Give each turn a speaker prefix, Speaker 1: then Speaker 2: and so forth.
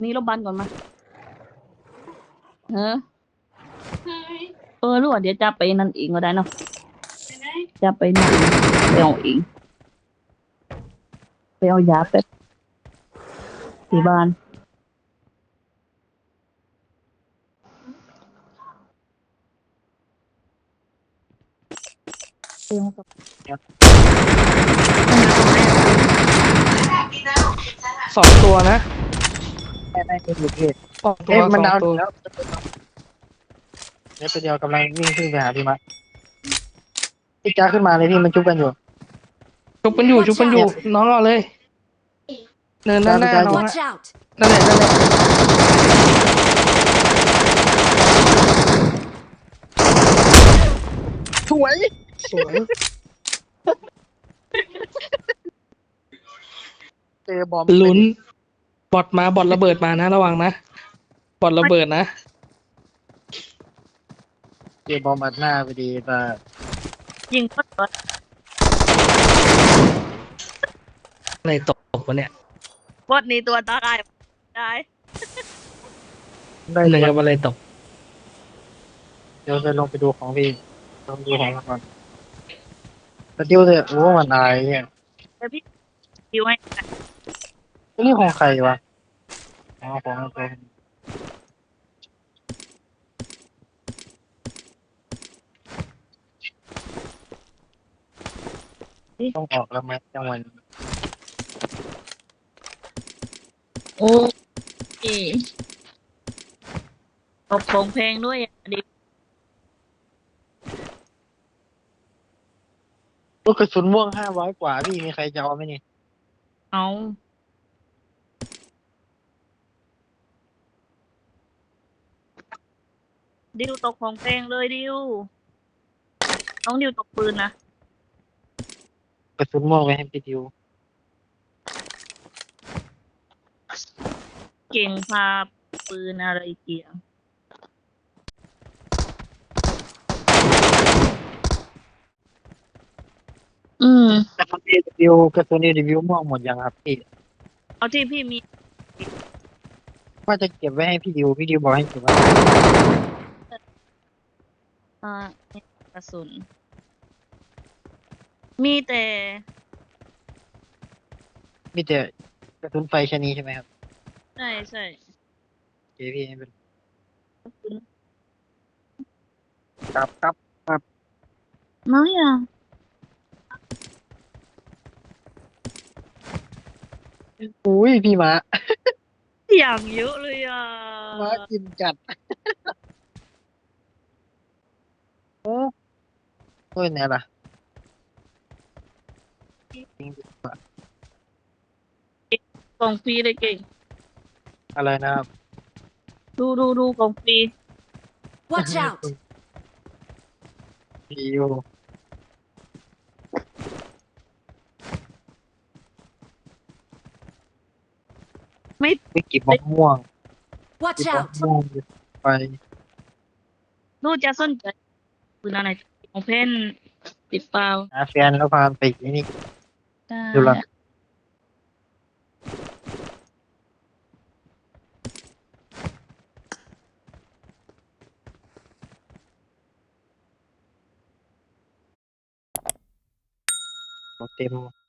Speaker 1: นี่รบบันก่อนมาเออ
Speaker 2: เฮ้ย
Speaker 1: รู้ว่าเดี๋ยวจะไปนั่นเองก็ได้เนาะ
Speaker 2: ไปไหน
Speaker 1: จะไปนั่นเองไปเอาเองไปเอายาแป๊บที่บ้านเตรียมกับ
Speaker 3: 2 ตัวนะ
Speaker 4: ได้อยู่พี่
Speaker 3: สองตัว
Speaker 4: เอ๊ะมัน
Speaker 3: สอง
Speaker 4: ดาว
Speaker 3: ตัว
Speaker 4: แล้วเดี๋ยวตัวเดียวกำลังวิ่งขึ้นไปหาพี่มะพี่จ้าขึ้นมาเลยพี่มันจุบกันอยู่
Speaker 3: ชุบกันอยู่ชุบกันอยู่น้องเอาเลยเนินด้านหน้า
Speaker 4: ได้
Speaker 3: น้อง
Speaker 5: Watch
Speaker 3: อะ
Speaker 5: out!
Speaker 3: นั่นแหละนั่นแหละ
Speaker 4: สวย
Speaker 3: สวย
Speaker 4: เจอบอม
Speaker 3: ลุ้นบอทมาบอทระเบิดมานะระวังนะบอทระเบิดนะ
Speaker 4: เจอบอมอัดหน้าพอดีแต่
Speaker 1: ยิงก็ต่อ
Speaker 3: อะไรตกวะเนี่ย
Speaker 1: บอสนี่ตัวตายได้
Speaker 4: ได้
Speaker 3: เหนื่อยกับอะไรตก
Speaker 4: เดี๋ยวจะลงไปดูของพี่ลองดูของมันก่อนสติวเลยโอ้มันอายเนี่ย
Speaker 1: แต่พี่ดิวให้
Speaker 4: นี่ของใครวะอ๋อของตัวต้องออกแล้วไหมจังหวะนี้
Speaker 1: โอ้ยตบของเพลงด้วยอ่ะดิ
Speaker 4: ลูกกระสุนม่วง500 กว่าพี่มีใครจะเอาไหมนี่
Speaker 1: เอาดิวตกของเพลงเลยดิวน้องดิวตกปืนนะ
Speaker 4: กระสุนม่วงไว้ให้พี่ดิว
Speaker 1: เก่งพาปืนอะไรเกี่ยวอืม
Speaker 4: กระสุนเอดิวกระสุนเอดิวม่วงหมดยังครับพี่
Speaker 1: เอาที่พี่มี
Speaker 4: ว่าจะเก็บไว้ให้พี่ดิวพี่ดิวบอกให้เก็บไว้
Speaker 1: อ่าเนี่ยกระสุน มีแต่
Speaker 4: มีแต่กระสุนไฟชนีใช่ไหมครับ
Speaker 1: ใช่ใช่
Speaker 4: โอเคพี่ไม่เป็นไร
Speaker 1: กระสุน
Speaker 4: ครับ
Speaker 1: น้อยอ่ะ
Speaker 4: อุ้ยพี่ม้า
Speaker 1: อย่างเยอะเลยอ่ะ
Speaker 4: ม้ากินจัดโอ้โอ้ยเนี่ยล่ะจริงดิ
Speaker 1: กล่องฟรีเลยเก่ง
Speaker 4: อะไรนะครับ
Speaker 1: ดูกล่องฟรี
Speaker 5: Watch out!
Speaker 4: ดิวไม่เก็บมะม่วง
Speaker 5: Watch
Speaker 4: เก็บมะ
Speaker 5: out!
Speaker 4: ม่วงไป
Speaker 1: ดูจะสนใจปืนอะไรของเพนติดเปล่า
Speaker 4: หาแฟนแล้วพาไปนี่
Speaker 1: ได้
Speaker 4: ดูละเต็ม